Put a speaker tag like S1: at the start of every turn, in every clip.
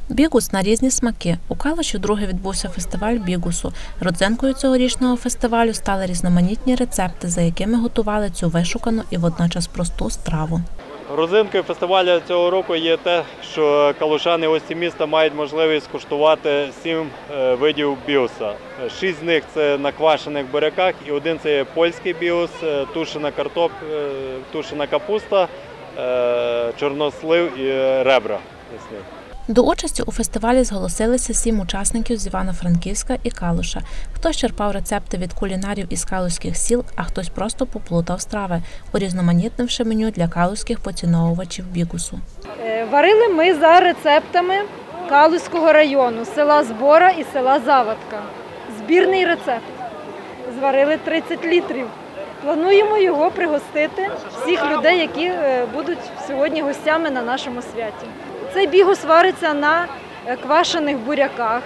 S1: Бігус на різні смаки. У Калуші вдруге відбувся фестиваль бігусу. Родзинкою цьогорічного фестивалю стали різноманітні рецепти, за якими готували цю вишукану і водночас просту страву.
S2: Родзинкою фестивалю цього року є те, що калушани гості міста мають можливість скуштувати 7 видів бігуса. 6 з них – це на квашених буряках, і один – це є польський бігус, тушена капуста, чорнослив і ребра.
S1: До участі у фестивалі зголосилися 7 учасників з Івано-Франківська і Калуша. Хтось черпав рецепти від кулінарів із калузьких сіл, а хтось просто поплутав страви, урізноманітнивши меню для калузьких поціновувачів бігусу.
S3: Варили ми за рецептами Калузького району, села Збора і села Завадка. Збірний рецепт. Зварили 30 літрів. Плануємо його пригостити всіх людей, які будуть сьогодні гостями на нашому святі. Цей бігус вариться на квашених буряках,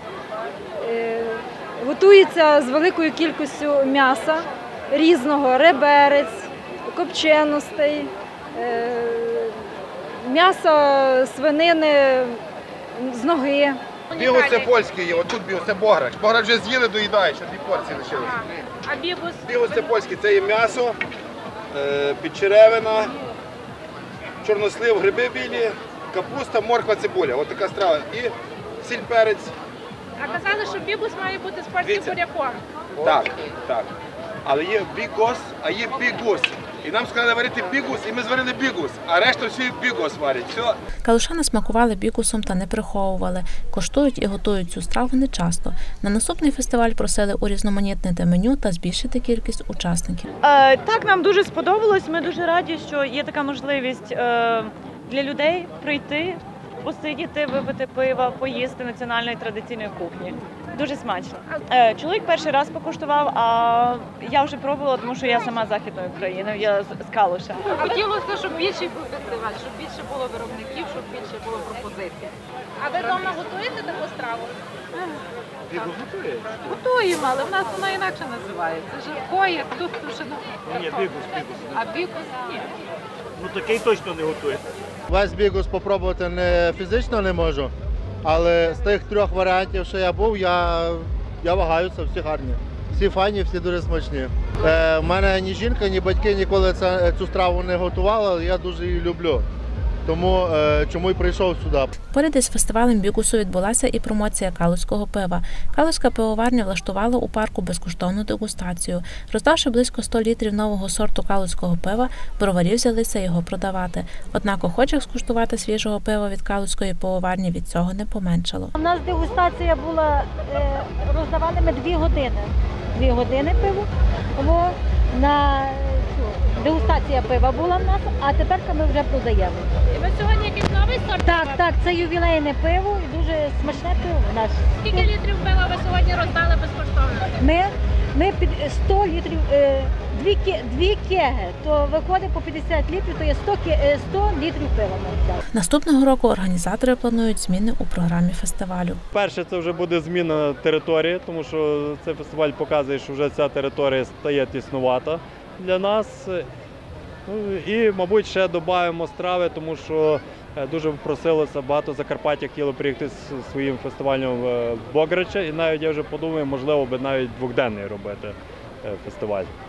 S3: готується з великою кількістю м'яса різного, реберець, копченостей, м'ясо свинини з ноги.
S4: Бігус це польський, отут бігус це бограч. Бограч вже з'їли, доїдає, ще 2 порції лишилося.
S3: А бігус?
S4: Бігус це польський, це є м'ясо, підчеревина, чорнослив, гриби білі, капуста, морква, цибуля. Ось така страва. І сіль, перець.
S3: А казали, що бігус має бути з польським буряком.
S4: Так, так. Але є бігос, а є бігус. І нам сказали варити бігус, і ми зварили бігус, а решта всі бігус варять. Все.
S1: Калушани смакували бігусом та не приховували. Коштують і готують цю страву нечасто. На наступний фестиваль просили урізноманітнити меню та збільшити кількість учасників.
S5: Так, нам дуже сподобалось. Ми дуже раді, що є така можливість для людей прийти, посидіти, випити пива, поїсти національної традиційної кухні. Дуже смачно. Чоловік перший раз покуштував, а я вже пробувала, тому що я сама з Західної України, я з Калуша.
S6: Хотілося, щоб більший був фестиваль, щоб більше було виробників, щоб більше було пропозицій. А ви вдома готуєте таку страву?
S2: Бігус готує?
S6: Готуємо, але в нас воно інакше називається. Жаркоє, тут тушено.
S2: Ні, бігус.
S6: А бігус ні.
S2: Ну такий точно не готує.
S7: Весь бігус спробувати не фізично не можу, але з тих 3 варіантів, що я був, я вагаюся, всі гарні. Всі файні, всі дуже смачні. У мене ні жінка, ні батьки ніколи цю страву не готували, але я дуже її люблю. Тому чому й прийшов сюди.
S1: Поряд із фестивалем бігусу відбулася і промоція калузького пива. Калузька пивоварня влаштувала у парку безкоштовну дегустацію. Роздавши близько 100 літрів нового сорту калузького пива, броварі взялися його продавати. Однак охочих скуштувати свіжого пива від калузької пивоварні від цього не поменшало.
S8: У нас дегустація була, роздавали ми 2 години. 2 години пиво. Дегустація пива була в нас, а тепер ми вже продаємо.
S6: І ви сьогодні якийсь новий сорт?
S8: Так, це ювілейне пиво і дуже смачне пиво в нас.
S6: Скільки літрів пива ви сьогодні роздали безкоштовно?
S8: Ми під 100 літрів, 2 кеги, то виходить по 50 літрів, то є 100 літрів пива ми роздали.
S1: Наступного року організатори планують зміни у програмі фестивалю.
S2: Перше, це вже буде зміна території, тому що цей фестиваль показує, що вже ця територія стає тіснувата для нас. І, мабуть, ще додаємо страви, тому що дуже просилося, багато Закарпаття хотіло приїхати з своїм фестивалем в Бограча. І навіть я вже подумав, можливо, би навіть 2-денний робити фестиваль.